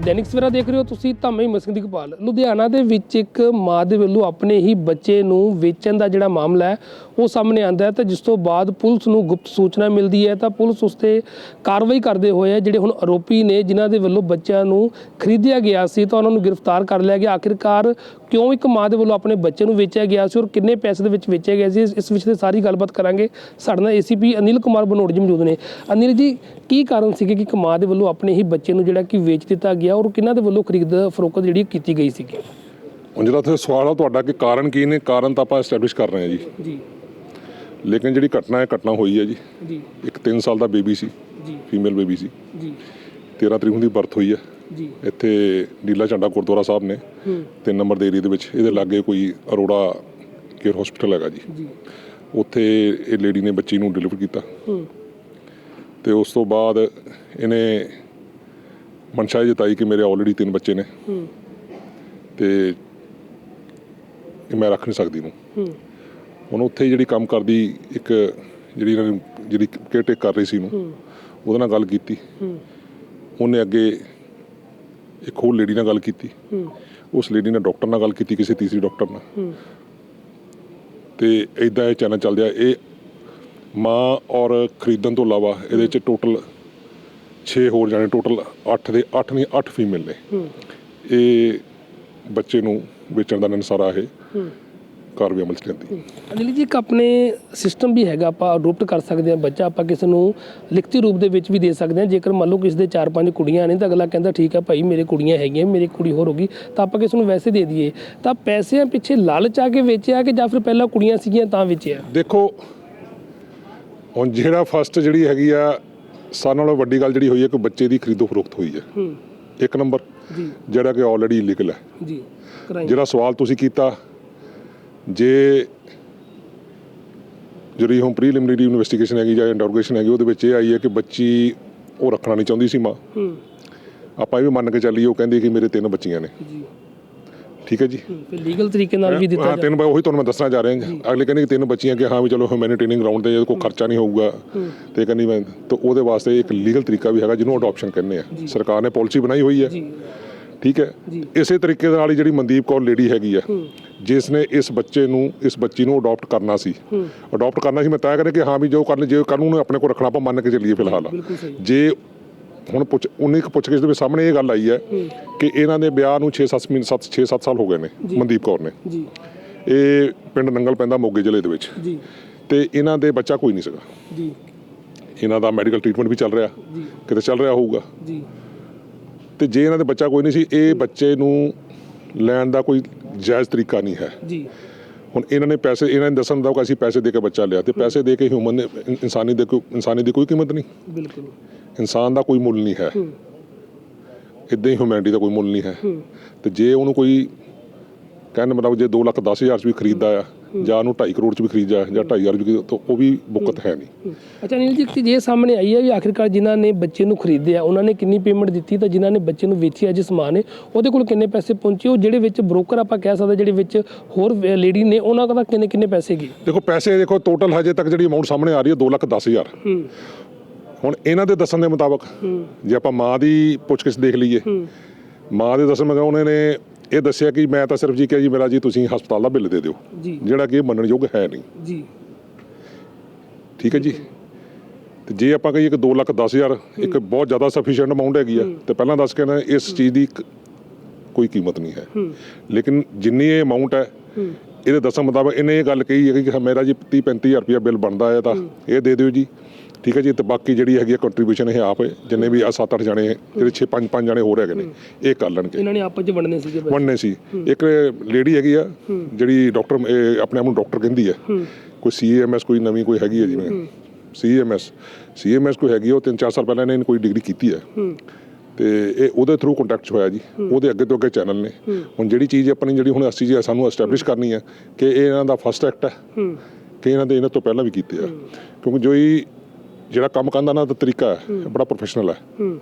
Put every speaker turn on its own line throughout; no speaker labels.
दैनिक सवेरा देख रहे हो तुसी ਤਾਂ ਮੈਂ ਹਿੰਮਤ ਸਿੰਘ ਦੀਪਾਲ। ਲੁਧਿਆਣਾ ਦੇ ਵਿੱਚ ਇੱਕ ਮਾਂ ਦੇ ਵੱਲੋਂ ਆਪਣੇ ਹੀ ਬੱਚੇ ਨੂੰ ਵੇਚਣ ਦਾ ਜਿਹੜਾ ਮਾਮਲਾ ਹੈ ਉਹ ਸਾਹਮਣੇ ਆਂਦਾ ਹੈ ਤੇ ਜਿਸ ਤੋਂ ਬਾਅਦ ਪੁਲਿਸ ਨੂੰ ਗੁਪਤ ਸੂਚਨਾ ਮਿਲਦੀ ਹੈ ਤਾਂ ਪੁਲਿਸ ਉਸ ਤੇ ਕਾਰਵਾਈ ਕਰਦੇ ਹੋਏ ਜਿਹੜੇ ਹੁਣ ਆਰੋਪੀ ਨੇ ਜਿਨ੍ਹਾਂ ਦੇ ਵੱਲੋਂ ਬੱਚਿਆਂ ਨੂੰ ਖਰੀਦਿਆ ਗਿਆ ਸੀ ਤਾਂ ਉਹਨਾਂ ਨੂੰ ਗ੍ਰਿਫਤਾਰ ਕਰ ਲਿਆ ਗਿਆ। ਆਖਿਰਕਾਰ ਕਿਉਂ ਇੱਕ ਮਾਂ ਦੇ ਵੱਲੋਂ ਆਪਣੇ ਬੱਚੇ ਨੂੰ ਵੇਚਿਆ ਗਿਆ ਸੀ ਔਰ ਕਿੰਨੇ ਪੈਸੇ ਦੇ ਵਿੱਚ ਵੇਚਿਆ ਗਿਆ ਸੀ, ਇਸ ਵਿੱਚ ਤੇ ਸਾਰੀ ਗੱਲਬਾਤ ਕਰਾਂਗੇ। ਸਾਡੇ ਨਾਲ ACP ਅਨਿਲ ਕੁਮਾਰ ਬਨੋੜ ਜੀ ਮੌਜੂਦ ਨੇ। ਅਨਿਲ ਜੀ, ਕੀ ਕਾਰਨ ਸੀਗੇ ਕਿ ਇੱਕ ਮਾਂ ਦੇ ਵੱਲੋਂ ਆਪਣੇ ਹੀ ਬੱਚੇ ਨੂੰ ਜਿਹੜਾ ਕਿ ਵੇਚ ਦਿੱਤਾ ਗਿਆ ਔਰ ਕਿਹਨਾਂ ਦੇ ਵੱਲੋਂ ਖਰੀਦ ਫਰੋਖਤ ਜਿਹੜੀ ਕੀਤੀ ਗਈ ਸੀਗੀ?
ਹੁਣ ਜਿਹੜਾ ਇੱਥੇ ਸਵਾਲ ਆ ਤੁਹਾਡਾ ਕਿ ਕਾਰਨ ਕੀ ਨੇ, ਕਾਰਨ ਤਾਂ ਆਪਾਂ ਐਸਟੈਬਲਿਸ਼ ਕਰ ਰਹੇ ਹਾਂ ਜੀ। ਲੇਕਿਨ ਜਿਹੜੀ ਘਟਨਾ ਹੋਈ ਹੈ ਜੀ, ਇੱਕ 3 ਸਾਲ ਦਾ ਬੇਬੀ ਸੀ, ਫੀਮੇਲ ਬੇਬੀ ਸੀ ਜੀ। 13 ਤਰੀਕ ਦੀ ਬਰਥ ਹੋਈ ਹੈ ਜੀ ਇੱਥੇ ਨੀਲਾ ਝੰਡਾ ਗੁਰਦੁਆਰਾ ਸਾਹਿਬ ਨੇ 3 ਨੰਬਰ ਦੇ ਏਰੀਏ ਦੇ ਵਿੱਚ। ਇਹਦੇ ਲਾਗੇ ਕੋਈ ਅਰੋੜਾ ਕੇਅਰ ਹਸਪੀਟਲ ਹੈਗਾ ਜੀ, ਉੱਥੇ ਇਹ ਲੇਡੀ ਨੇ ਬੱਚੀ ਨੂੰ ਡਿਲੀਵਰ ਕੀਤਾ ਤੇ ਉਸ ਤੋਂ ਬਾਅਦ ਇਹਨੇ ਮਨਸ਼ਾ ਜਤਾਈ ਕਿ ਮੇਰੇ ਆਲਰੇਡੀ 3 ਬੱਚੇ ਨੇ ਤੇ ਮੈਂ ਰੱਖ ਨਹੀਂ ਸਕਦੀ ਨੂੰ। ਹੁਣ ਉੱਥੇ ਜਿਹੜੀ ਕੰਮ ਕਰਦੀ ਇੱਕ ਜਿਹੜੀ ਇਹਨਾਂ ਨੇ ਜਿਹੜੀ ਕੇਅਰ ਟੇਕ ਕਰ ਰਹੀ ਸੀ ਨੂੰ ਉਹਦੇ ਨਾਲ ਗੱਲ ਕੀਤੀ। ਉਹਨੇ ਅੱਗੇ ਇੱਕ ਹੋਰ ਲੇਡੀ ਨਾਲ ਗੱਲ ਕੀਤੀ, ਉਸ ਲੇਡੀ ਨੇ ਡਾਕਟਰ ਨਾਲ ਗੱਲ ਕੀਤੀ, ਕਿਸੇ ਤੀਸਰੀ ਡਾਕਟਰ ਨਾਲ, ਤੇ ਇੱਦਾਂ ਇਹ ਚੈਨਲ ਚੱਲਦਾ। ਇਹ ਮਾਂ ਔਰ ਖਰੀਦਣ ਤੋਂ ਇਲਾਵਾ ਇਹਦੇ 'ਚ ਟੋਟਲ 6 ਹੋਰ ਜਾਣੇ, ਟੋਟਲ 8 ਫੀਮੇਲ ਨੇ। ਇਹ ਬੱਚੇ ਨੂੰ ਵੇਚਣ ਦਾ ਨਸਾਰਾ ਇਹ ਕਾਰਵਾਈ ਅਮਲ 'ਚ ਲਿਆਂਦੀ।
ਅਨਿਲ ਜੀ, ਇੱਕ ਆਪਣੇ ਸਿਸਟਮ ਵੀ ਹੈਗਾ, ਆਪਾਂ ਅਡੋਪਟ ਕਰ ਸਕਦੇ ਹਾਂ ਬੱਚਾ, ਆਪਾਂ ਕਿਸੇ ਨੂੰ ਲਿਖਤੀ ਰੂਪ ਦੇ ਵਿੱਚ ਵੀ ਦੇ ਸਕਦੇ ਹਾਂ। ਜੇਕਰ ਮੰਨ ਲਓ ਕਿਸੇ ਦੇ 4-5 ਕੁੜੀਆਂ ਨੇ ਤਾਂ ਅਗਲਾ ਕਹਿੰਦਾ ਠੀਕ ਹੈ ਭਾਈ ਮੇਰੇ ਕੁੜੀਆਂ ਹੈਗੀਆਂ, ਮੇਰੀ ਕੁੜੀ ਹੋਰ ਹੋ ਗਈ ਤਾਂ ਆਪਾਂ ਕਿਸੇ ਨੂੰ ਵੈਸੇ ਦੇ ਦਈਏ। ਤਾਂ ਪੈਸਿਆਂ ਪਿੱਛੇ ਲਾਲਚ ਆ ਕੇ ਵੇਚਿਆ ਕਿ ਜਾਂ ਫਿਰ ਪਹਿਲਾਂ ਕੁੜੀਆਂ ਸੀਗੀਆਂ ਤਾਂ ਵੇਚਿਆ?
ਦੇਖੋ, ਹੁਣ ਜਿਹੜਾ ਫਸਟ ਜਿਹੜੀ ਹੈਗੀ ਆ ਸਾਰਿਆਂ ਨਾਲੋਂ ਵੱਡੀ ਗੱਲ ਜਿਹੜੀ ਹੋਈ ਹੈ ਕਿ ਬੱਚੇ ਦੀ ਖਰੀਦੋ ਫਰੋਖਤ ਹੋਈ ਹੈ। 1 ਨੰਬਰ ਜਿਹੜਾ ਕਿ ਆਲਰੇਡੀ ਇਲੀਗਲ ਹੈ ਜੀ। ਜਿਹੜਾ ਸਵਾਲ ਤੁਸੀਂ ਕੀਤਾ, ਜੇ ਜਿਹੜੀ ਹੁਣ ਪ੍ਰੀਲਿਮਿਨਰੀ ਇਨਵੈਸਟੀਗੇਸ਼ਨ ਹੈਗੀ ਜਾਂ ਇੰਟਰੋਗੇਸ਼ਨ ਹੈਗੀ ਉਹਦੇ ਵਿੱਚ ਇਹ ਆਈ ਹੈ ਕਿ ਬੱਚੀ ਉਹ ਰੱਖਣਾ ਨਹੀਂ ਚਾਹੁੰਦੀ ਸੀ ਮਾਂ। ਆਪਾਂ ਇਹ ਵੀ ਮੰਨ ਕੇ ਚੱਲੀਏ ਉਹ ਕਹਿੰਦੀ ਕਿ ਮੇਰੇ 3 ਬੱਚੀਆਂ ਨੇ, ਠੀਕ ਹੈ ਜੀ,
ਲੀਗਲ ਤਰੀਕੇ ਨਾਲ ਵੀ ਦਿੱਤਾ।
3 ਉਹੀ ਤੁਹਾਨੂੰ ਮੈਂ ਦੱਸਣਾ ਚਾਹ ਰਿਹਾ। ਅਗਲੇ ਕਹਿੰਦੇ ਕਿ 3 ਬੱਚੀਆਂ ਕਿ ਹਾਂ ਵੀ ਚਲੋ ਹਿਊਮੈਨਿਟੇਰੀਅਨ ਗਰਾਊਂਡ ਤੇ ਕੋਈ ਖਰਚਾ ਨਹੀਂ ਹੋਊਗਾ ਤੇ ਕਹਿੰਦੀ ਮੈਂ ਤਾਂ ਉਹਦੇ ਵਾਸਤੇ ਇੱਕ ਲੀਗਲ ਤਰੀਕਾ ਵੀ ਹੈਗਾ ਜਿਹਨੂੰ ਅਡੋਪਸ਼ਨ ਕਹਿੰਦੇ ਆ। ਸਰਕਾਰ ਨੇ ਪਾਲਿਸੀ ਬਣਾਈ ਹੋਈ ਹੈ, ਠੀਕ ਹੈ। ਇਸੇ ਤਰੀਕੇ ਦੇ ਨਾਲ ਹੀ ਜਿਹੜੀ ਮਨਦੀਪ ਕੌਰ ਲੇਡੀ ਹੈਗੀ ਆ ਜਿਸ ਨੇ ਇਸ ਬੱਚੀ ਨੂੰ ਅਡੋਪਟ ਕਰਨਾ ਸੀ ਮੈਂ ਤਾਂ ਕਹਿੰਦਾ ਕਿ ਹਾਂ ਵੀ ਜੋ ਕਰ ਜੇ ਕਾਨੂੰਨ ਆਪਣੇ ਕੋਲ ਰੱਖਣਾ ਆਪਾਂ ਮੰਨ ਕੇ ਚੱਲੀਏ। ਫਿਲਹਾਲ ਜੇ ਹੁਣ ਉਨੀ ਕੁ ਪੁੱਛ ਕੇ ਦੇ ਸਾਹਮਣੇ ਇਹ ਗੱਲ ਆਈ ਹੈ ਕਿ ਇਹਨਾਂ ਦੇ ਵਿਆਹ ਨੂੰ 6-7 ਸਾਲ ਹੋ ਗਏ ਨੇ ਮਨਦੀਪ ਕੌਰ ਨੇ। ਇਹ ਪਿੰਡ ਨੰਗਲ ਪੈਂਦਾ ਮੋਗੇ ਜ਼ਿਲ੍ਹੇ ਦੇ ਵਿੱਚ ਤੇ ਇਹਨਾਂ ਦੇ ਬੱਚਾ ਕੋਈ ਨਹੀਂ ਸੀਗਾ। ਇਹਨਾਂ ਦਾ ਮੈਡੀਕਲ ਟ੍ਰੀਟਮੈਂਟ ਵੀ ਚੱਲ ਰਿਹਾ, ਕਿਤੇ ਚੱਲ ਰਿਹਾ ਹੋਊਗਾ ਤੇ ਜੇ ਇਹਨਾਂ ਦੇ ਬੱਚਾ ਕੋਈ ਨਹੀਂ ਸੀ, ਇਹ ਬੱਚੇ ਨੂੰ ਲੈਣ ਦਾ ਕੋਈ ਜਾਇਜ਼ ਤਰੀਕਾ ਨਹੀਂ ਹੈ। ਹੁਣ ਇਹਨਾਂ ਨੇ ਦੱਸਣ ਦਾ ਕਿ ਅਸੀਂ ਪੈਸੇ ਦੇ ਕੇ ਬੱਚਾ ਲਿਆ ਤੇ ਪੈਸੇ ਦੇ ਕੇ ਹਿਊਮਨ ਇਨਸਾਨੀ ਦੀ ਕੋਈ ਕੀਮਤ ਨਹੀਂ। ਬਿਲਕੁਲ, ਇਨਸਾਨ ਦਾ ਕੋਈ ਮੁੱਲ ਨਹੀਂ ਹੈ, ਇੱਦਾਂ ਹੀ ਹਿਊਮੈਨਿਟੀ ਦਾ ਕੋਈ ਮੁੱਲ ਨਹੀਂ ਹੈ। ਤੇ ਜੇ ਉਹਨੂੰ ਕੋਈ ਕਹਿਣ ਮਤਲਬ ਜੇ 2,10,000 'ਚ ਵੀ ਖਰੀਦਦਾ ਆ ਜਾਂ ਉਹਨੂੰ 2.5 ਕਰੋੜ 'ਚ ਵੀ ਖਰੀਦਦਾ ਜਾਂ 2,500 'ਚ ਵੀ, ਤਾਂ ਉਹ ਵੀ ਬੁੱਕਤ ਹੈ ਨਹੀਂ।
ਅੱਛਾ ਅਨਿਲ ਜੀ, ਜੇ ਸਾਹਮਣੇ ਆਈ ਹੈ ਵੀ ਆਖਿਰਕਾਰ ਜਿਨ੍ਹਾਂ ਨੇ ਬੱਚੇ ਨੂੰ ਖਰੀਦਿਆ ਉਹਨਾਂ ਨੇ ਕਿੰਨੀ ਪੇਮੈਂਟ ਦਿੱਤੀ ਤਾਂ ਜਿਨ੍ਹਾਂ ਨੇ ਬੱਚੇ ਨੂੰ ਵੇਚਿਆ ਜਿਸ ਮਾਂ ਨੇ ਉਹਦੇ ਕੋਲ ਕਿੰਨੇ ਪੈਸੇ ਪਹੁੰਚੇ? ਉਹ ਜਿਹੜੇ ਵਿੱਚ ਬ੍ਰੋਕਰ ਆਪਾਂ ਕਹਿ ਸਕਦੇ ਜਿਹੜੇ ਵਿੱਚ ਹੋਰ ਲੇਡੀ ਨੇ ਉਹਨਾਂ ਦਾ ਕਿੰਨੇ ਪੈਸੇ ਗਏ?
ਦੇਖੋ ਪੈਸੇ ਦੇਖੋ ਟੋਟਲ ਹਜੇ ਤੱਕ ਜਿਹੜੀ ਅਮਾਊਂਟ ਸਾਹਮਣੇ ਆ ਰਹੀ ਹੈ 2,10,000। ਹੁਣ ਇਹਨਾਂ ਦੇ ਦੱਸਣ ਦੇ ਮੁਤਾਬਕ ਜੇ ਆਪਾਂ ਮਾਂ ਦੀ ਪੁੱਛਗਿੱਛ ਦੇਖ ਲਈਏ, ਮਾਂ ਦੇ ਦੱਸਣ ਮਗਰ ਉਹਨਾਂ ਨੇ ਇਹ ਦੱਸਿਆ ਕਿ ਮੈਂ ਤਾਂ ਸਿਰਫ ਜੀ ਕਿਹਾ ਜੀ ਮੇਰਾ ਜੀ ਤੁਸੀਂ ਹਸਪਤਾਲ ਦਾ ਬਿੱਲ ਦੇ ਦਿਓ, ਜਿਹੜਾ ਕਿ ਇਹ ਮੰਨਣਯੋਗ ਹੈ ਨਹੀਂ। ਠੀਕ ਹੈ ਜੀ। ਤੇ ਜੇ ਆਪਾਂ ਕਹੀਏ ਕਿ 2,10,000 ਇੱਕ ਬਹੁਤ ਜ਼ਿਆਦਾ ਸਫੀਸ਼ੀਐਂਟ ਅਮਾਊਂਟ ਹੈਗੀ ਆ ਤੇ ਪਹਿਲਾਂ ਦੱਸ ਕੇ ਨਾ ਇਸ ਚੀਜ਼ ਦੀ ਕੋਈ ਕੀਮਤ ਨਹੀਂ ਹੈ। ਲੇਕਿਨ ਜਿੰਨੀ ਇਹ ਅਮਾਊਂਟ ਹੈ ਇਹਦੇ ਦੱਸਣ ਮੁਤਾਬਕ ਇਹਨੇ ਇਹ ਗੱਲ ਕਹੀ ਹੈ ਕਿ ਮੇਰਾ ਜੀ 30-35,000 ਰੁਪਇਆ ਬਿੱਲ ਬਣਦਾ ਹੈ ਤਾਂ ਇਹ ਦੇ ਦਿਓ ਜੀ, ਠੀਕ ਹੈ ਜੀ। ਤੇ ਬਾਕੀ ਜਿਹੜੀ ਹੈਗੀ ਕੰਟਰੀਬਿਊਸ਼ਨ ਇਹ ਆਪ ਜਿੰਨੇ ਵੀ 7-8 ਜਾਣੇ ਜਿਹੜੇ 6-5 ਜਾਣੇ ਹੋਰ ਹੈਗੇ ਨੇ ਇਹ ਕਰ ਲੈਣਗੇ। ਇਹਨਾਂ ਨੇ ਆਪਸ 'ਚ ਵੰਡਣੇ ਸੀ। ਇੱਕ ਲੇਡੀ ਹੈਗੀ ਆ ਜਿਹੜੀ ਡਾਕਟਰ ਆਪਣੇ ਆਪ ਨੂੰ ਡਾਕਟਰ ਕਹਿੰਦੀ ਹੈ, ਕੋਈ CMS ਕੋਈ ਨਵੀਂ ਕੋਈ ਹੈਗੀ ਹੈ ਜਿਵੇਂ CMS ਕੋਈ ਹੈਗੀ, ਉਹ 3-4 ਸਾਲ ਪਹਿਲਾਂ ਇਹਨੇ ਕੋਈ ਡਿਗਰੀ ਕੀਤੀ ਹੈ ਤੇ ਇਹ ਉਹਦੇ ਥਰੂ ਕੰਟੈਕਟ 'ਚ ਹੋਇਆ ਜੀ। ਉਹਦੇ ਅੱਗੇ ਤੋਂ ਅੱਗੇ ਚੈਨਲ ਨੇ। ਹੁਣ ਜਿਹੜੀ ਚੀਜ਼ ਆਪਣੀ ਜਿਹੜੀ ਹੁਣ ਅਸੀਂ ਸਾਨੂੰ ਐਸਟੈਬਲਿਸ਼ ਕਰਨੀ ਹੈ ਕਿ ਇਹ ਇਹਨਾਂ ਦਾ ਫਸਟ ਐਕਟ ਹੈ ਕਿ ਇਹਨਾਂ ਤੋਂ ਪਹਿਲਾਂ ਵੀ ਕੀਤੇ ਆ, ਕਿਉਂਕਿ ਜਿਹੜਾ ਕੰਮ ਕਰਨ ਦਾ ਨਾ ਤਰੀਕਾ ਹੈ ਬੜਾ ਪ੍ਰੋਫੈਸ਼ਨਲ ਹੈ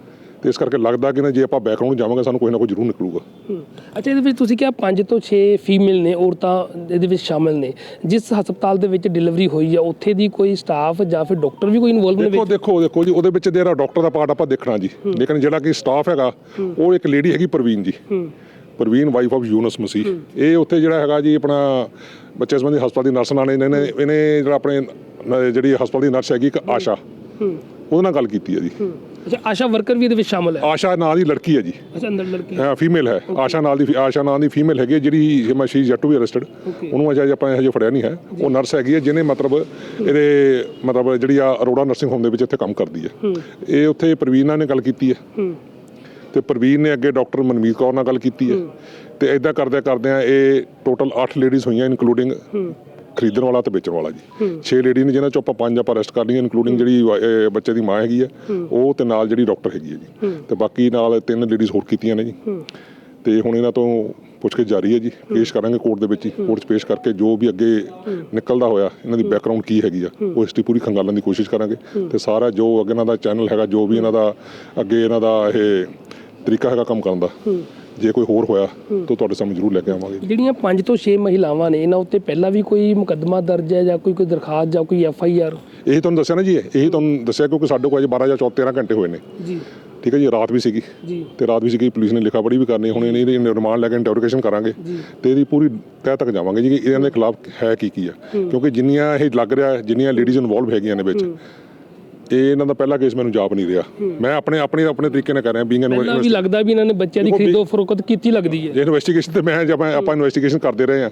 ਤੇ ਇਸ ਕਰਕੇ ਲੱਗਦਾ ਕਿ ਨਾ ਜੇ ਆਪਾਂ ਬੈਕਗ੍ਰਾਉਂਡ ਜਾਵਾਂਗੇ ਸਾਨੂੰ ਕੋਈ ਨਾ ਕੋਈ ਜ਼ਰੂਰ ਨਿਕਲੂਗਾ।
ਅੱਛਾ, ਇਹਦੇ ਵਿੱਚ ਤੁਸੀਂ ਕਿਹਾ 5 ਤੋਂ 6 ਫੀਮੇਲ ਨੇ ਔਰਤਾਂ ਇਹਦੇ ਵਿੱਚ ਸ਼ਾਮਿਲ ਨੇ। ਜਿਸ ਹਸਪਤਾਲ ਦੇ ਵਿੱਚ ਡਿਲੀਵਰੀ ਹੋਈ ਆ ਉੱਥੇ ਦੀ ਕੋਈ ਸਟਾਫ ਜਾਂ ਫਿਰ ਡਾਕਟਰ ਵੀ ਕੋਈ ਇਨਵੋਲਵ ਨੇ ਵਿੱਚ?
ਦੇਖੋ ਜੀ, ਉਹਦੇ ਵਿੱਚ ਜਿਹੜਾ ਡਾਕਟਰ ਦਾ ਪਾਰਟ ਆਪਾਂ ਦੇਖਣਾ ਜੀ, ਲੇਕਿਨ ਜਿਹੜਾ ਕਿ ਸਟਾਫ ਹੈਗਾ ਉਹ ਇੱਕ ਲੇਡੀ ਹੈਗੀ ਪ੍ਰਵੀਨ ਜੀ, ਪ੍ਰਵੀਨ ਵਾਈਫ ਆਫ ਯੂਨਸ ਮਸੀਹ। ਇਹ ਉੱਥੇ ਜਿਹੜਾ ਹੈਗਾ ਜੀ ਆਪਣਾ ਬੱਚੇ ਸੰਬੰਧੀ ਹਸਪਤਾਲ ਦੀ ਨਰਸ ਨਾਲ ਇਹਨੇ ਜਿਹੜਾ ਆਪਣੇ ਜਿਹੜੀ ਹਸਪਤਾਲ ਦੀ ਨਰਸ ਹੈਗੀ ਇੱਕ ਆਸ਼ਾ, ਉਹਦੇ ਨਾਲ ਗੱਲ ਕੀਤੀ ਹੈ ਜੀ।
ਅੱਛਾ, ਆਸ਼ਾ ਵਰਕਰ ਵੀ ਇਹਦੇ ਵਿੱਚ ਸ਼ਾਮਲ ਹੈ?
ਆਸ਼ਾ ਨਾਂ ਦੀ ਲੜਕੀ ਹੈ ਜੀ।
ਅੱਛਾ, ਅੰਦਰ ਲੜਕੀ
ਹਾਂ, ਫੀਮੇਲ ਹੈ। ਆਸ਼ਾ ਨਾਂ ਦੀ ਫੀਮੇਲ ਹੈਗੀ ਜਿਹੜੀ she is yet to be arrested. ਉਹਨੂੰ ਅਜੇ ਆਪਾਂ ਹਜੇ ਫੜਿਆ ਨਹੀਂ ਹੈ। ਉਹ ਨਰਸ ਹੈਗੀ ਹੈ ਜਿਹਨੇ ਮਤਲਬ ਇਹਦੇ ਮਤਲਬ ਜਿਹੜੀ ਆ ਅਰੋੜਾ ਨਰਸਿੰਗ ਹੋਮ ਦੇ ਵਿੱਚ ਇੱਥੇ ਕੰਮ ਕਰਦੀ ਹੈ। ਇਹ ਉੱਥੇ ਪ੍ਰਵੀਨਾ ਨੇ ਗੱਲ ਕੀਤੀ ਹੈ ਤੇ ਪ੍ਰਵੀਨ ਨੇ ਅੱਗੇ ਡਾਕਟਰ ਮਨਮੀਤ ਕੌਰ ਨਾਲ ਗੱਲ ਕੀਤੀ ਹੈ ਤੇ ਇਦਾਂ ਕਰਦਿਆਂ ਇਹ ਟੋਟਲ 8 ਲੇਡੀਜ਼ ਹੋਈਆਂ ਇਨਕਲੂਡਿੰਗ ਖਰੀਦਣ ਵਾਲਾ ਤੇ ਵੇਚਣ ਵਾਲਾ ਜੀ। 6 ਲੇਡੀ ਨੇ ਜਿਹਨਾਂ ਚੋਂ ਆਪਾਂ 5 ਆਪਾਂ ਅਰੈਸਟ ਕਰ ਲਈਆਂ ਇਨਕਲੂਡਿੰਗ ਜਿਹੜੀ ਬੱਚੇ ਦੀ ਮਾਂ ਹੈਗੀ ਹੈ ਉਹ ਤੇ ਨਾਲ ਜਿਹੜੀ ਡਾਕਟਰ ਹੈਗੀ ਹੈ ਜੀ, ਤੇ ਬਾਕੀ ਨਾਲ 3 ਲੇਡੀਜ਼ ਹੋਰ ਕੀਤੀਆਂ ਨੇ ਜੀ। ਤੇ ਹੁਣ ਇਹਨਾਂ ਤੋਂ ਪੁੱਛਗਿੱਛ ਜਾਰੀ ਹੈ ਜੀ, ਪੇਸ਼ ਕਰਾਂਗੇ ਕੋਰਟ ਦੇ ਵਿੱਚ ਹੀ। ਕੋਰਟ 'ਚ ਪੇਸ਼ ਕਰਕੇ ਜੋ ਵੀ ਅੱਗੇ ਨਿਕਲਦਾ ਹੋਇਆ ਇਹਨਾਂ ਦੀ ਬੈਕਗਰਾਉਂਡ ਕੀ ਹੈਗੀ ਆ ਉਹ ਹਿਸਟਰੀ ਪੂਰੀ ਖੰਗਾਲਣ ਦੀ ਕੋਸ਼ਿਸ਼ ਕਰਾਂਗੇ ਤੇ ਸਾਰਾ ਜੋ ਅੱਗੇ ਇਹਨਾਂ ਦਾ ਚੈਨਲ ਹੈਗਾ, ਜੋ ਵੀ ਇਹਨਾਂ ਦਾ ਅੱਗੇ ਇਹਨਾਂ ਦਾ ਇਹ ਤਰੀਕਾ ਹੈਗਾ ਕੰਮ ਕਰਨ ਦਾ, ਜੇ ਕੋਈ ਹੋਰ ਹੋਇਆ ਤਾਂ ਤੁਹਾਡੇ ਸਾਹਮਣੇ ਜ਼ਰੂਰ ਲੈ ਕੇ ਆਵਾਂਗੇ।
ਜਿਹੜੀਆਂ 5 ਤੋਂ 6 ਮਹਿਲਾਵਾਂ ਨੇ ਇਹਨਾਂ ਉੱਤੇ ਪਹਿਲਾਂ ਵੀ ਕੋਈ ਮੁਕੱਦਮਾ ਦਰਜ ਹੈ ਜਾਂ ਕੋਈ ਦਰਖਾਸਤ ਜਾਂ ਕੋਈ FIR?
ਇਹੀ ਤੁਹਾਨੂੰ ਦੱਸਿਆ ਨਾ ਜੀ, ਇਹੀ ਤੁਹਾਨੂੰ ਦੱਸਿਆ ਕਿਉਂਕਿ ਸਾਡੇ ਕੋਲ ਅਜੇ 12 ਜਾਂ 13 ਘੰਟੇ ਹੋਏ ਨੇ ਜੀ। ਠੀਕ ਹੈ ਜੀ, ਰਾਤ ਵੀ ਸੀਗੀ ਤੇ ਰਾਤ ਵੀ ਸੀਗੀ, ਪੁਲਿਸ ਨੇ ਲਿਖਾ ਪੜ੍ਹੀ ਵੀ ਕਰਨੀ। ਹੁਣ ਇਹਦੀ ਰਿਮਾਂਡ ਲੈ ਕੇ ਇੰਟਰੋਗੇਸ਼ਨ ਕਰਾਂਗੇ ਤੇ ਇਹਦੀ ਪੂਰੀ ਤਹਿ ਤੱਕ ਜਾਵਾਂਗੇ ਜੀ ਕਿ ਇਹਨਾਂ ਦੇ ਖਿਲਾਫ ਹੈ ਕੀ ਆ, ਕਿਉਂਕਿ ਜਿੰਨੀਆਂ ਇਹ ਲੱਗ ਰਿਹਾ ਜਿੰਨੀਆਂ ਲੇਡੀਜ਼ ਇਨਵੋਲਵ ਹੈਗੀਆਂ ਨੇ ਵਿੱਚ, ਇਹ ਇਹਨਾਂ ਦਾ ਪਹਿਲਾ ਕੇਸ ਮੈਨੂੰ ਜਾਪ ਨਹੀਂ ਰਿਹਾ। ਮੈਂ ਆਪਣੇ ਤਰੀਕੇ ਨਾਲ ਕਰ ਰਿਹਾ ਬੀਇੰਗ
ਪਹਿਲਾਂ ਵੀ ਲੱਗਦਾ ਵੀ ਇਹਨਾਂ ਨੇ ਬੱਚਿਆਂ ਦੀ ਖਰੀਦੋ ਫਰੋਖਤ ਕੀਤੀ ਲੱਗਦੀ ਹੈ।
ਜੇ ਇਨਵੈਸਟੀਗੇਸ਼ਨ ਤੇ ਮੈਂ ਆਪਾਂ ਇਨਵੈਸਟੀਗੇਸ਼ਨ ਕਰਦੇ ਰਹੇ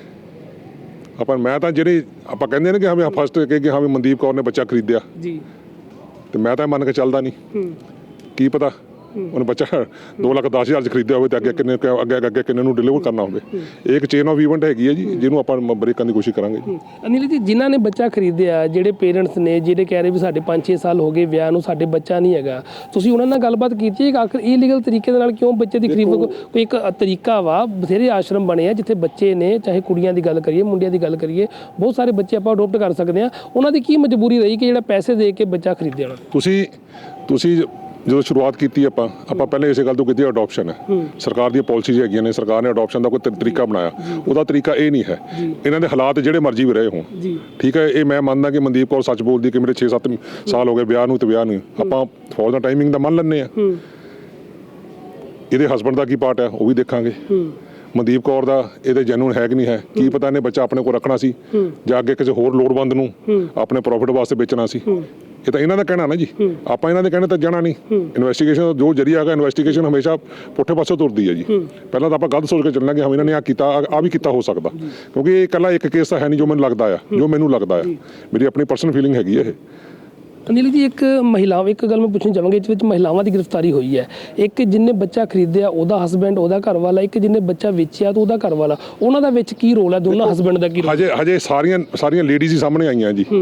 ਹਾਂ। ਮੈਂ ਤਾਂ ਜਿਹੜੇ ਆਪਾਂ ਕਹਿੰਦੇ ਨੇ ਕਿ ਹਾਂ ਵੀ ਫਸਟ ਕਿ ਹਾਂ ਵੀ ਮਨਦੀਪ ਕੌਰ ਨੇ ਬੱਚਾ ਖਰੀਦਿਆ ਜੀ, ਤੇ ਮੈਂ ਤਾਂ ਮੰਨ ਕੇ ਚੱਲਦਾ ਨਹੀਂ। ਕੀ ਪਤਾ ਉਹਨੇ ਬੱਚਾ 2,10,000 'ਚ ਖਰੀਦਿਆ ਹੋਵੇ ਤੇ ਅੱਗੇ ਕਿੰਨੇ ਨੂੰ ਡਿਲੀਵਰ ਕਰਨਾ ਹੋਵੇ। ਇਹ ਇੱਕ ਚੇਨ ਆਫ ਇਵੈਂਟ ਹੈਗੀ ਹੈ ਜੀ, ਜਿਹਨੂੰ ਆਪਾਂ ਬ੍ਰੇਕ ਕਰਨ ਦੀ ਕੋਸ਼ਿਸ਼ ਕਰਾਂਗੇ ਜੀ।
ਅਨਿਲ ਜੀ, ਜਿਨ੍ਹਾਂ ਨੇ ਬੱਚਾ ਖਰੀਦਿਆ, ਜਿਹੜੇ ਪੇਰੈਂਟਸ ਨੇ ਜਿਹੜੇ ਕਹਿ ਰਹੇ ਵੀ ਸਾਡੇ 5-6 ਸਾਲ ਹੋ ਗਏ ਵਿਆਹ ਨੂੰ, ਸਾਡੇ ਬੱਚਾ ਨਹੀਂ ਹੈਗਾ, ਤੁਸੀਂ ਉਹਨਾਂ ਨਾਲ ਗੱਲਬਾਤ ਕੀਤੀ ਹੈ ਕਿ ਆਖਰ ਇਲੀਗਲ ਤਰੀਕੇ ਦੇ ਨਾਲ ਕਿਉਂ ਬੱਚੇ ਦੀ ਖਰੀਦ? ਕੋਈ ਇੱਕ ਤਰੀਕਾ ਵਾ, ਬਥੇਰੇ ਆਸ਼ਰਮ ਬਣੇ ਆ ਜਿੱਥੇ ਬੱਚੇ ਨੇ, ਚਾਹੇ ਕੁੜੀਆਂ ਦੀ ਗੱਲ ਕਰੀਏ ਮੁੰਡਿਆਂ ਦੀ ਗੱਲ ਕਰੀਏ, ਬਹੁਤ ਸਾਰੇ ਬੱਚੇ ਆਪਾਂ ਅਡੋਪਟ ਕਰ ਸਕਦੇ ਹਾਂ। ਉਹਨਾਂ ਦੀ ਕੀ ਮਜਬੂਰੀ ਰਹੀ ਕਿ ਜਿਹੜਾ ਪੈਸੇ ਦੇ ਕੇ ਬੱਚਾ ਖਰੀਦਿਆ?
ਤੁਸੀਂ ਜਦੋਂ ਸ਼ੁਰੂਆਤ ਕੀਤੀ ਆਪਾਂ ਪਹਿਲੇ ਇਸੇ ਗੱਲ ਤੋਂ ਕੀਤੀ ਅਡਾਪਸ਼ਨ ਹੈ। ਸਰਕਾਰ ਦੀਆਂ ਪਾਲਿਸੀਜ਼ ਹੈਗੀਆਂ ਨੇ, ਸਰਕਾਰ ਨੇ ਅਡਾਪਸ਼ਨ ਦਾ ਕੋਈ ਤਰੀਕਾ ਬਣਾਇਆ, ਉਹਦਾ ਤਰੀਕਾ ਇਹ ਨਹੀਂ ਹੈ। ਇਹਨਾਂ ਦੇ ਹਾਲਾਤ ਜਿਹੜੇ ਮਰਜ਼ੀ ਵੀ ਰਹੇ ਹੋਣ, ਠੀਕ ਹੈ, ਇਹ ਮੈਂ ਮੰਨਦਾ ਕਿ ਮਨਦੀਪ ਕੌਰ ਸੱਚ ਬੋਲਦੀ ਕਿ ਮੇਰੇ 6-7 ਸਾਲ ਹੋ ਗਏ ਵਿਆਹ ਨੂੰ, ਤੇ ਵਿਆਹ ਨਹੀਂ ਆਪਾਂ ਫੌਜ ਦਾ ਟਾਈਮਿੰਗ ਦਾ ਮੰਨ ਲੈਂਦੇ ਆ। ਇਹਦੇ ਹਸਬੈਂਡ ਦਾ ਕੀ ਪਾਰਟ ਹੈ ਉਹ ਵੀ ਦੇਖਾਂਗੇ। ਮਨਦੀਪ ਕੌਰ ਦਾ ਇਹਦੇ ਜੈਨੂਨ ਹੈ ਕਿ ਨਹੀਂ ਹੈ, ਕੀ ਪਤਾ ਇਹਨੇ ਬੱਚਾ ਆਪਣੇ ਕੋਲ ਰੱਖਣਾ ਸੀ ਜਾਂ ਅੱਗੇ ਕਿਸੇ ਹੋਰ ਲੋੜਵੰਦ ਨੂੰ ਆਪਣੇ ਪ੍ਰੋਫਿਟ ਵਾਸਤੇ ਵੇਚਣਾ ਸੀ। ਇਹ ਤਾਂ ਇਹਨਾਂ ਦਾ ਕਹਿਣਾ ਨਾ ਜੀ, ਆਪਾਂ ਇਹਨਾਂ ਦੇ ਕਹਿਣੇ ਤਾਂ ਜਾਣਾ ਨਹੀਂ। ਇਨਵੈਸਟੀਗੇਸ਼ਨ ਦਾ ਜੋ ਜਰੀਆ ਹੈਗਾ, ਇਨਵੈਸਟੀਗੇਸ਼ਨ ਹਮੇਸ਼ਾ ਪੁੱਠੇ ਪਾਸੇ ਤੁਰਦੀ ਹੈ ਜੀ। ਪਹਿਲਾਂ ਤਾਂ ਆਪਾਂ ਗਲਤ ਸੋਚ ਕੇ ਚੱਲਣਾ ਕਿ ਹਾਂ ਇਹਨਾਂ ਨੇ ਕੀਤਾ, ਆ ਵੀ ਕੀਤਾ ਹੋ ਸਕਦਾ, ਕਿਉਂਕਿ ਇਹ ਇਕੱਲਾ ਇੱਕ ਕੇਸ ਤਾਂ ਹੈ ਨਹੀਂ ਜੋ ਮੈਨੂੰ ਲੱਗਦਾ ਆ, ਮੇਰੀ ਆਪਣੀ ਪਰਸਨਲ ਫੀਲਿੰਗ ਹੈਗੀ ਹੈ ਇਹ।
ਅਨਿਲ ਜੀ, ਇੱਕ ਗੱਲ ਮੈਂ ਪੁੱਛਣੀ ਚਾਹਾਂਗੀ, ਇਸ ਵਿੱਚ ਮਹਿਲਾਵਾਂ ਦੀ ਗ੍ਰਿਫਤਾਰੀ ਹੋਈ ਹੈ। ਇੱਕ ਜਿਹਨੇ ਬੱਚਾ ਖਰੀਦਿਆ ਉਹਦਾ ਹਸਬੈਂਡ, ਉਹਦਾ ਘਰ ਵਾਲਾ, ਇੱਕ ਜਿਹਨੇ ਬੱਚਾ ਵੇਚਿਆ ਤਾਂ ਉਹਦਾ ਘਰ ਵਾਲਾ, ਉਹਨਾਂ ਦਾ ਵਿੱਚ ਕੀ ਰੋਲ ਹੈ? ਦੋਨਾਂ ਹਸਬੈਂਡ ਦਾ ਕੀ ਰੋਲ?
ਹਜੇ ਸਾਰੀਆਂ ਲੇਡੀਜ਼ ਹੀ ਸਾਹਮਣੇ ਆਈਆਂ ਜੀ।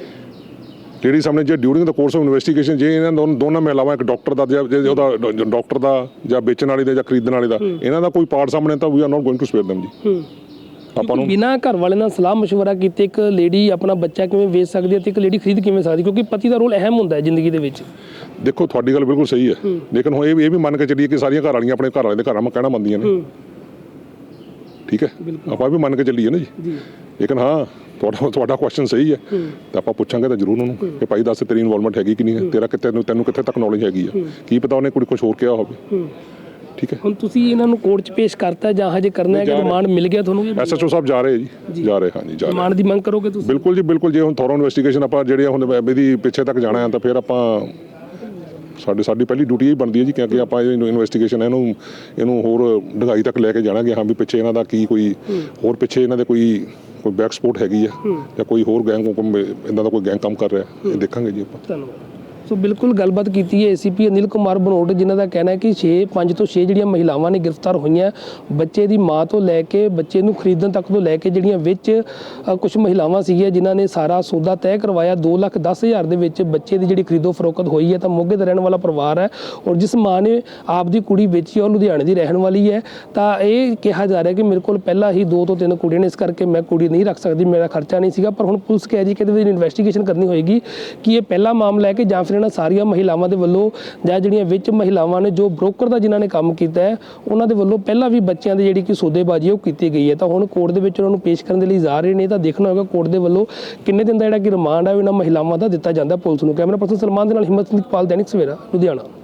ਲੇਡੀ ਸਾਹਮਣੇ ਜੇ during the course of investigation ਜੇ ਇਹਨਾਂ ਦੋਨਾਂ ਮਹਿਲਾਵਾਂ, ਇੱਕ ਡਾਕਟਰ ਦਾ ਉਹਦਾ ਡਾਕਟਰ ਦਾ ਜਾਂ ਵੇਚਣ ਵਾਲੇ ਦਾ ਜਾਂ ਖਰੀਦਣ ਵਾਲੇ ਦਾ, ਇਹਨਾਂ ਦਾ ਕੋਈ ਪਾਰਟ ਸਾਹਮਣੇ ਤਾਂ we are not going to spare them ਜੀ। ਆਪਾਂ ਨੂੰ ਬਿਨਾਂ
ਘਰ ਵਾਲੇ ਨਾਲ ਸਲਾਹ ਮਸ਼ਵਰਾ ਕੀਤੇ ਇੱਕ ਲੇਡੀ ਆਪਣਾ ਬੱਚਾ ਕਿਵੇਂ ਵੇਚ ਸਕਦੀ ਹੈ ਤੇ ਇੱਕ ਲੇਡੀ ਖਰੀਦ ਕਿਵੇਂ ਸਕਦੀ, ਕਿਉਂਕਿ ਪਤੀ ਦਾ ਰੋਲ ਅਹਿਮ ਹੁੰਦਾ ਹੈ ਜ਼ਿੰਦਗੀ ਦੇ ਵਿੱਚ।
ਦੇਖੋ, ਤੁਹਾਡੀ ਗੱਲ ਬਿਲਕੁਲ ਸਹੀ ਹੈ, ਲੇਕਿਨ ਹੁਣ ਇਹ ਵੀ ਮੰਨ ਕੇ ਚੱਲੀਏ ਕਿ ਸਾਰੀਆਂ ਘਰ ਵਾਲੀਆਂ ਆਪਣੇ ਘਰ ਵਾਲੇ ਦੇ ਘਰਾਂ ਕਹਿਣਾ ਮੰਨਦੀਆਂ ਨੇ। ਠੀਕ ਹੈ, ਆਪਾਂ ਵੀ ਮੰਨ ਕੇ ਚੱਲੀਏ ਨਾ ਜੀ। ਲੇਕਿਨ ਹਾਂ, ਤੁਹਾਡਾ ਕੁਐਸਚਨ ਸਹੀ ਹੈ, ਤਾਂ ਆਪਾਂ ਪੁੱਛਾਂਗੇ ਤਾਂ ਜ਼ਰੂਰ ਉਹਨੂੰ ਕਿ ਭਾਈ ਦੱਸ ਤੇਰੀ ਇਨਵੋਲਵਮੈਂਟ ਹੈਗੀ ਕਿ ਨਹੀਂ ਹੈ, ਤੈਨੂੰ ਕਿੱਥੇ ਤੱਕ ਨੌਲੇਜ ਹੈਗੀ ਆ, ਕੀ ਪਤਾ ਉਹਨੇ ਕੁਛ ਹੋਰ ਕਿਹਾ ਹੋਵੇ। ਠੀਕ ਹੈ,
ਹੁਣ ਤੁਸੀਂ ਇਹਨਾਂ ਨੂੰ ਕੋਰਟ 'ਚ ਪੇਸ਼ ਕਰਤਾ ਜਾਂ ਹਜੇ ਕਰਨਾ ਹੈ? ਕਿ ਰਿਮਾਂਡ ਮਿਲ ਗਿਆ ਤੁਹਾਨੂੰ?
SHO ਸਾਹਿਬ ਜਾ ਰਹੇ ਜੀ, ਜਾ ਰਹੇ। ਹਾਂਜੀ, ਜਾ ਰਹੇ।
ਰਿਮਾਂਡ ਦੀ ਮੰਗ ਕਰੋਗੇ ਤੁਸੀਂ?
ਬਿਲਕੁਲ ਜੀ, ਬਿਲਕੁਲ। ਜੇ ਹੁਣ ਥੋਰੋ ਇਨਵੈਸਟੀਗੇਸ਼ਨ ਆਪਾਂ ਜਿਹੜੇ ਹੁਣ ਇਹਦੀ ਪਿੱਛੇ ਤੱਕ ਜਾਣਾ ਹੈ ਤਾਂ ਫਿਰ ਆਪਾਂ ਸਾਡੀ ਪਹਿਲੀ ਡਿਊਟੀ ਇਹ ਬਣਦੀ ਹੈ ਜੀ, ਕਿਉਂਕਿ ਆਪਾਂ ਇਨਵੈਸਟੀਗੇਸ਼ਨ ਇਹਨੂੰ ਹੋਰ ਡੂੰਘਾਈ ਤੱਕ ਲੈ ਕੇ ਜਾਣਾਂਗੇ। ਹਾਂ ਵੀ ਪਿੱਛੇ ਇਹਨਾਂ ਦਾ ਕੀ ਕੋਈ ਹੋਰ ਪਿੱਛੇ ਇਹਨਾਂ ਦੇ ਕੋਈ ਬੈਕ ਸਪੋਰਟ ਹੈਗੀ ਆ ਜਾਂ ਕੋਈ ਹੋਰ ਗੈਂਗ ਇਹਨਾਂ ਦਾ ਕੋਈ ਗੈਂਗ ਕੰਮ ਕਰ ਰਿਹਾ, ਇਹ ਦੇਖਾਂਗੇ ਜੀ ਆਪਾਂ।
ਧੰਨਵਾਦ। ਸੋ ਬਿਲਕੁਲ ਗੱਲਬਾਤ ਕੀਤੀ ਹੈ ACP ਅਨਿਲ ਕੁਮਾਰ ਬਨੋਟ, ਜਿਨ੍ਹਾਂ ਦਾ ਕਹਿਣਾ ਹੈ ਕਿ 5 ਤੋਂ 6 ਜਿਹੜੀਆਂ ਮਹਿਲਾਵਾਂ ਨੇ ਗ੍ਰਿਫਤਾਰ ਹੋਈਆਂ, ਬੱਚੇ ਦੀ ਮਾਂ ਤੋਂ ਲੈ ਕੇ ਬੱਚੇ ਨੂੰ ਖਰੀਦਣ ਤੱਕ ਤੋਂ ਲੈ ਕੇ, ਜਿਹੜੀਆਂ ਵਿੱਚ ਕੁਝ ਮਹਿਲਾਵਾਂ ਸੀਗੀਆਂ ਜਿਨ੍ਹਾਂ ਨੇ ਸਾਰਾ ਸੌਦਾ ਤੈਅ ਕਰਵਾਇਆ। 2,10,000 ਦੇ ਵਿੱਚ ਬੱਚੇ ਦੀ ਜਿਹੜੀ ਖਰੀਦੋ ਫਰੋਖਤ ਹੋਈ ਹੈ। ਤਾਂ ਮੋਗੇ ਦਾ ਰਹਿਣ ਵਾਲਾ ਪਰਿਵਾਰ ਹੈ ਔਰ ਜਿਸ ਮਾਂ ਨੇ ਆਪਦੀ ਕੁੜੀ ਵੇਚੀ ਉਹ ਲੁਧਿਆਣੇ ਦੀ ਰਹਿਣ ਵਾਲੀ ਹੈ। ਤਾਂ ਇਹ ਕਿਹਾ ਜਾ ਰਿਹਾ ਕਿ ਮੇਰੇ ਕੋਲ ਪਹਿਲਾਂ ਹੀ 2 ਤੋਂ 3 ਕੁੜੀਆਂ ਨੇ, ਇਸ ਕਰਕੇ ਮੈਂ ਕੁੜੀ ਨਹੀਂ ਰੱਖ ਸਕਦੀ, ਮੇਰਾ ਖਰਚਾ ਨਹੀਂ ਸੀਗਾ। ਪਰ ਹੁਣ ਪੁਲਿਸ ਕਹਿ ਰਹੀ ਕਿ ਇਹਦੇ ਵਿੱਚ ਇਨਵੈਸਟੀਗੇਸ਼ਨ ਕਰਨੀ ਹੋਏਗੀ ਕਿ ਇਹ ਪਹਿਲਾ ਮਾਮਲਾ ਹੈ ਕਿ ਜਾਂ ਫਿਰ ਇਹਨਾਂ ਸਾਰੀਆਂ ਮਹਿਲਾਵਾਂ ਦੇ ਵੱਲੋਂ ਜਾਂ ਜਿਹੜੀਆਂ ਵਿੱਚ ਮਹਿਲਾਵਾਂ ਨੇ ਜੋ ਬ੍ਰੋਕਰ ਦਾ ਜਿਨ੍ਹਾਂ ਨੇ ਕੰਮ ਕੀਤਾ ਹੈ ਉਹਨਾਂ ਦੇ ਵੱਲੋਂ ਪਹਿਲਾਂ ਵੀ ਬੱਚਿਆਂ ਦੀ ਜਿਹੜੀ ਕਿ ਸੌਦੇਬਾਜ਼ੀ ਉਹ ਕੀਤੀ ਗਈ ਹੈ। ਤਾਂ ਹੁਣ ਕੋਰਟ ਦੇ ਵਿੱਚ ਉਹਨਾਂ ਨੂੰ ਪੇਸ਼ ਕਰਨ ਦੇ ਲਈ ਜਾ ਰਹੇ ਨੇ। ਤਾਂ ਦੇਖਣਾ ਹੋਵੇਗਾ ਕੋਰਟ ਦੇ ਵੱਲੋਂ ਕਿੰਨੇ ਦਿਨ ਦਾ ਜਿਹੜਾ ਕਿ ਰਿਮਾਂਡ ਹੈ ਇਹਨਾਂ ਮਹਿਲਾਵਾਂ ਦਾ ਦਿੱਤਾ ਜਾਂਦਾ ਪੁਲਿਸ ਨੂੰ। ਕੈਮਰਾ ਪਰਸਨ ਸਲਮਾਨ ਦੇ ਨਾਲ ਹਿੰਮਤ ਸਿੰਘ ਪਾਲ, ਦੈਨਿਕ ਸਵੇਰਾ, ਲੁਧਿਆਣਾ।